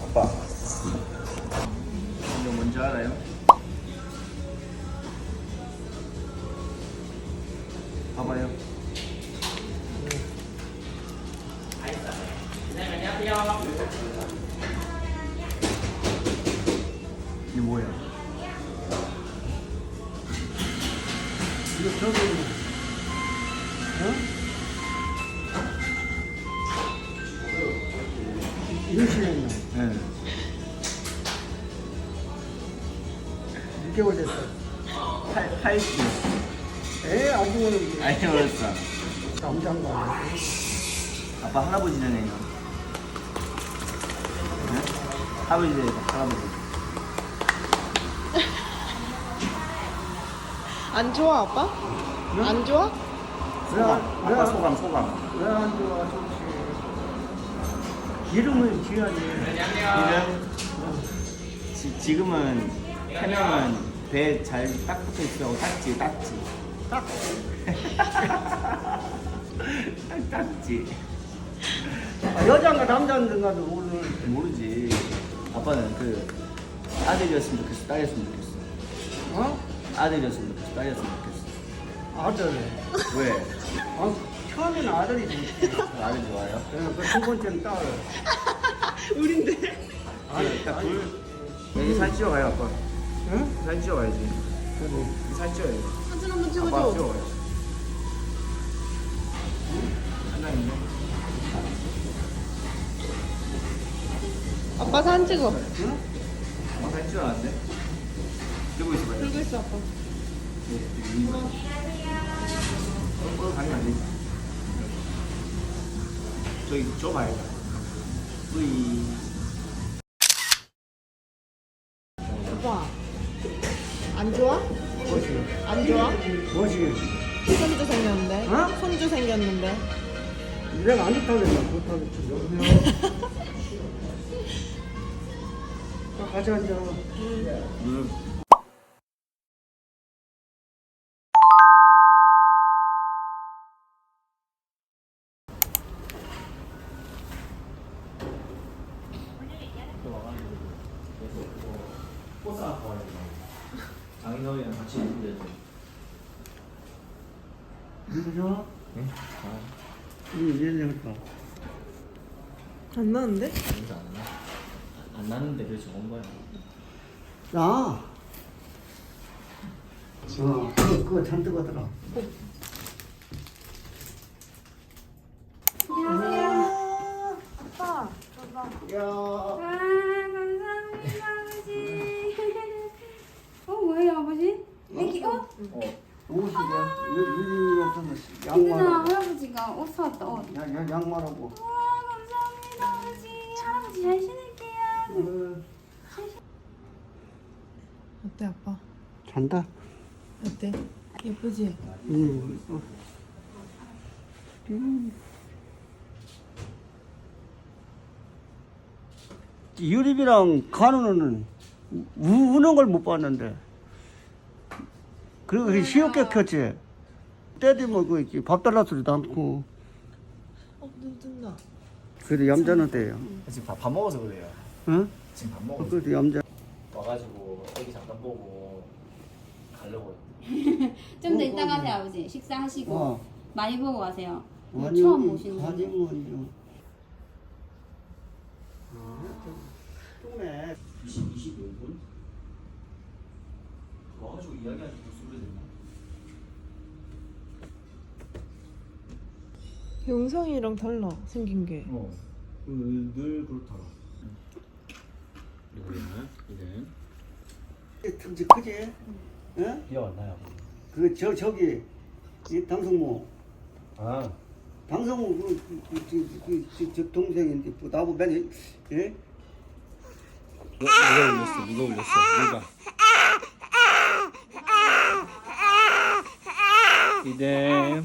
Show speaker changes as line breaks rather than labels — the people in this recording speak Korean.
아빠. 이거 뭔지 알아요? 봐봐요. 이게 뭐야?
이거 저기 임신했나?
네.
6개월 됐어.
팔씨.
애 아직 오는
아니 어렸어.
남장가.
아빠 할아버지 되네요. 네? 할아버지 되니까 할아버지.
안 좋아 아빠?
응?
안 좋아?
소감.
왜?
아빠 소감.
왜 안 좋아? 좋지. 이름을 지어야지.
지금은 태명은 배 잘 딱 붙어 있어. 딱지.
딱.
딱지.
여자인가 남자인가도 오늘
모르지. 아빠는 그 아들이었으면 좋겠어. 딸이었으면 좋겠어.
어?
아들이었으면 좋겠어. 딸이었으면 좋겠어.
아들.
왜?
아, 처음에는 아들이지.
아들 좋아요?
그두 번째는 딸.
우린데.
아니,
딱 둘. 여기 사진 찍어가요 아빠.
응?
사진 찍어가야지.
그래.
사진 찍어야지.
사진 한번
아빠
찍어줘.
찍어가요. 하나 있네.
아빠 사진 찍어.
응?
아빠 사진 찍어놨는데? 들고 있어봐요.
들고 있어 아빠.
가면 안 되지. 저기 좁아야 돼. 뿌이.
아빠. 안 좋아?
뭐지?
안 좋아?
뭐지?
손주 생겼는데.
어?
손주 생겼는데.
내가 안 좋다겠다. 좋다겠지. 가자, 앉아.
꽃 사와요. 장인어른이랑 같이 있는데.
이거 좋아?
응?
얘네니까.
안 나는데?
냄새 안 나? 안 나는데 그래 적은 거야.
나. 그거 잔뜩 하더라.
안녕하세요. 아빠, 봐봐.
야.
아, 감사합니다, 아버지. 뭐예요, 아버지? 애기 옷?
옷이야. 유리였던
누나,
양말하고.
할아버지가 옷 사왔다, 옷.
양말하고.
와, 감사합니다, 아버지. 할아버지 잘 신을게요.
어때 아빠?
잔다.
어때? 예쁘지?
유립이랑 간우는 우는 걸 못 봤는데. 그리고 그 시옷게 켰지. 때리면 그밥 달라 소리도 않고.
눈 뜬다.
그래도 얌전한 때예요.
지금 밥 먹어서 그래요.
응?
지금 밥 먹어서.
그래도 얌전.
와가지고 애기 잠깐 보고 가려고.
좀 더 이따 가세요, 아버지. 식사하시고.
어.
많이 보고 가세요.
아니,
처음 오시는
아니,
거예요.
뭐요. 네
25분? 와가지고 이야기하지 벌써 오래 됐나?
영상이랑 달라 생긴 게.
늘 그렇더라. 이거는
틈지 크지? 응?
비가 왔나요?
저기 이 당성모
아
당성모 저 동생인데 나보고 맨 예?
누가 울렸어? 누가? 이제